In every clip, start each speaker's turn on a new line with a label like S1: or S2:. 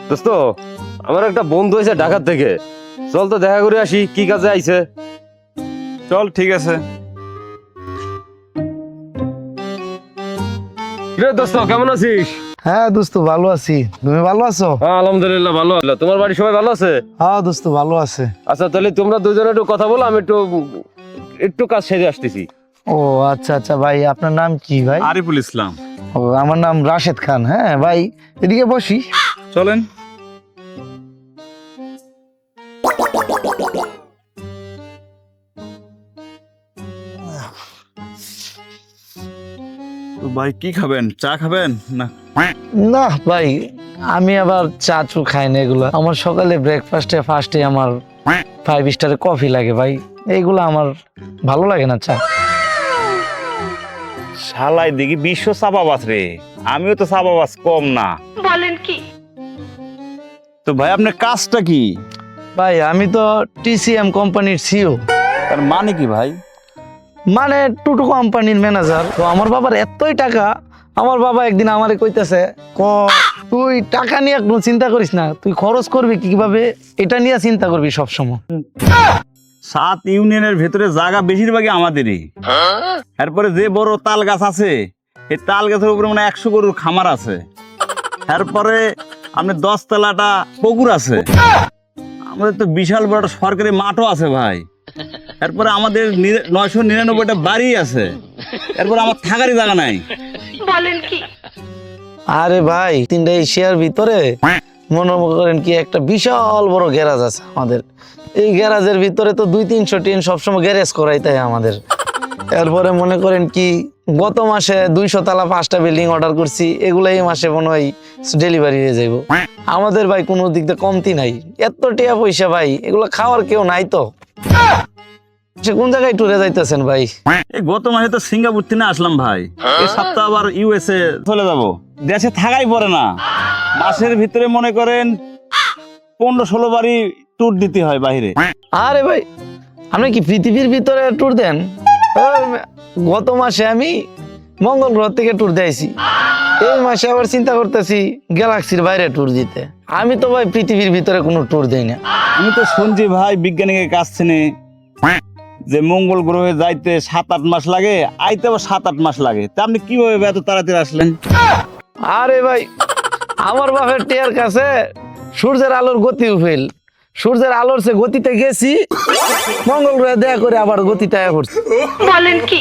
S1: দোস্ত, আমার একটা বন্ধু হয়েছে ঢাকার থেকে, চল তো দেখা করে আসি কি কাজে আইছে।
S2: চল, ঠিক আছে।
S1: রে দোস্ত, কেমন আছিস?
S3: হ্যাঁ দোস্ত, ভালো আছি। তুমি ভালো আছো?
S1: হ্যাঁ আলহামদুলিল্লাহ ভালো। তোমার বাড়ি সবাই ভালো আছে?
S3: হ্যাঁ দোস্ত, ভালো আছে।
S1: আচ্ছা তাহলে তোমরা দুজনে একটু কথা বলো, আমি একটু একটু কাজ সেরে আসতেছি।
S3: ও আচ্ছা আচ্ছা ভাই, আপনার নাম কি ভাই?
S2: আরিফুল ইসলাম।
S3: ও, আমার নাম রাশেদ খান। হ্যাঁ ভাই, এদিকে বসি।
S2: চলেন। তো ভাই কি খাবেন? চা খাবেন না?
S3: না ভাই, আমি আবার চা চু খাই না এগুলো। আমার সকালে ব্রেকফাস্টে ফার্স্টে আমার 5 স্টারের কফি লাগে ভাই, এইগুলো আমার ভালো লাগে না চা।
S2: শালাই দেখি বিশ্ব চাপাবাস রে, আমিও তো চাপাবাস কম না।
S4: বলেন কি?
S2: তো ভাই আপনার কাজটা কি?
S3: ভাই আমি তো টিসিএম কোম্পানির সিও।
S2: তার মানে কি ভাই?
S3: মানে টুটু কোম্পানির ম্যানেজার। তো আমার বাবার এতই টাকা, আমার বাবা একদিন আমারে কইতেছে, তুই টাকা নিয়ে কোনো চিন্তা করিস না, তুই খরচ করবি কিভাবে এটা নিয়ে চিন্তা করবি সবসময়।
S2: 7 ইউনিয়নের ভেতরে জায়গা বেশিরভাগই আমাদেরই। এরপরে যে বড় তাল গাছ আছে, এই তাল গাছের উপরে মানে 100 গরুর খামার আছে। এরপরে আপনার 10 তলাটা পুকুর আছে। আমাদের তো বিশাল বড় একটা সরকারি মাঠও আছে ভাই। এরপরে আমাদের 999টা বাড়ি আছে। এরপরে আমার থাকারই জায়গা নাই।
S4: বলেন কি?
S3: আরে ভাই, 3টা এশিয়ার ভিতরে মনে করেন কি একটা বিশাল বড় গ্যারাজ আছে আমাদের। এই গ্যারাজের ভিতরে তো 200-300 টিন সবসময় গ্যারেজ করাই তাই আমাদের। এরপরে মনে করেন কি গত মাসে 200 তলা 5টা বিল্ডিং অর্ডার করছি, এগুলো এই মাসে মনে হয় ডেলিভারি হয়ে যাইব। আমাদের ভাই কোনো দিক দিয়ে কমতি নাই। এত টাকা পয়সা ভাই, এগুলো খাওয়ার কেউ নাই তো। সে কোন জায়গায় ট্যুরে যাইতেছেন ভাই?
S2: এই গত মাসে তো সিঙ্গাপুর থেকে আসলাম ভাই। এই সপ্তাহ আবার ইউএসএ চলে যাব। দেশে থাকাই পড়ে না। মাসের ভিতরে মনে করেন 15-16 বারই ট্যুর দিতে হয় বাইরে।
S3: আরে ভাই, আপনি কি পৃথিবীর ভিতরে ট্যুর দেন? গত মাসে আমি মঙ্গল গ্রহ থেকে ট্যুর দিয়েছি, এই মাসে আবার চিন্তা করতেছি গ্যালাক্সির বাইরে ট্যুর দিতে। আমি তো ভাই পৃথিবীর ভিতরে কোনো ট্যুর দেই না।
S2: আমি তো শুনছি ভাই বিজ্ঞানীদের কাছ থেকে যে মঙ্গল গ্রহে যাইতে 7-8 মাস লাগে, আইতে আবার 7-8 মাস লাগে। তা আপনি কিভাবে এত তাড়াতাড়ি আসলেন?
S3: আরে ভাই, আমার বাপের টিয়ার কাছে সূর্যের আলোর গতি ফেল, সূর্যের আলোর সে গতিতে গেছি, মঙ্গল গ্রহে দেখা করে আবার গতিটা করছি।
S4: বলেন কি?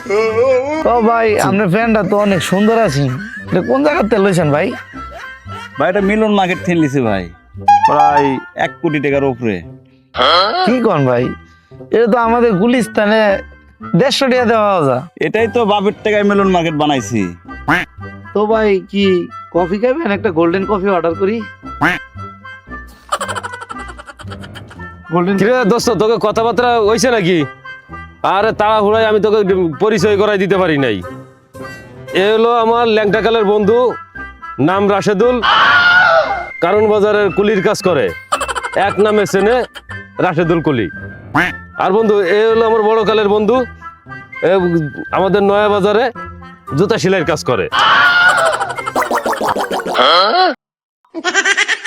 S3: ও ভাই, আপনার ফ্যানটা তো অনেক সুন্দর আছি। এটা কোন জায়গাতে লইছেন ভাই?
S2: ভাই এটা মিলন মার্কেট থেকে নিছি ভাই, প্রায় 1 কোটি টাকার উপরে।
S3: কি কোন ভাই, এটা তো আমাদের গুলিস্তানে 150 টাকা দেওয়া যায়।
S2: এটাই তো বাপের টাকায় মিলন মার্কেট বানাইছি।
S3: তো ভাই কি কফি খাবেন? একটা গোল্ডেন কফি অর্ডার করি। গোল্ডেন।
S1: ঠিক আছে দোস্ত, তোকে কথাবার্তা হইছে নাকি? আরে তাড়াহুড়ায় আমি তোকে পরিচয় করাই দিতে পারি নাই। এ হলো আমার ল্যাংটাকালের বন্ধু, নাম রাশেদুল, কারণ বাজারের কুলির কাজ করে, এক নামে চেনে রাশেদুল কুলি। আর বন্ধু এ হলো আমার বড় কালের বন্ধু, এ আমাদের নয়া বাজারে জুতা সেলাইয়ের কাজ করে।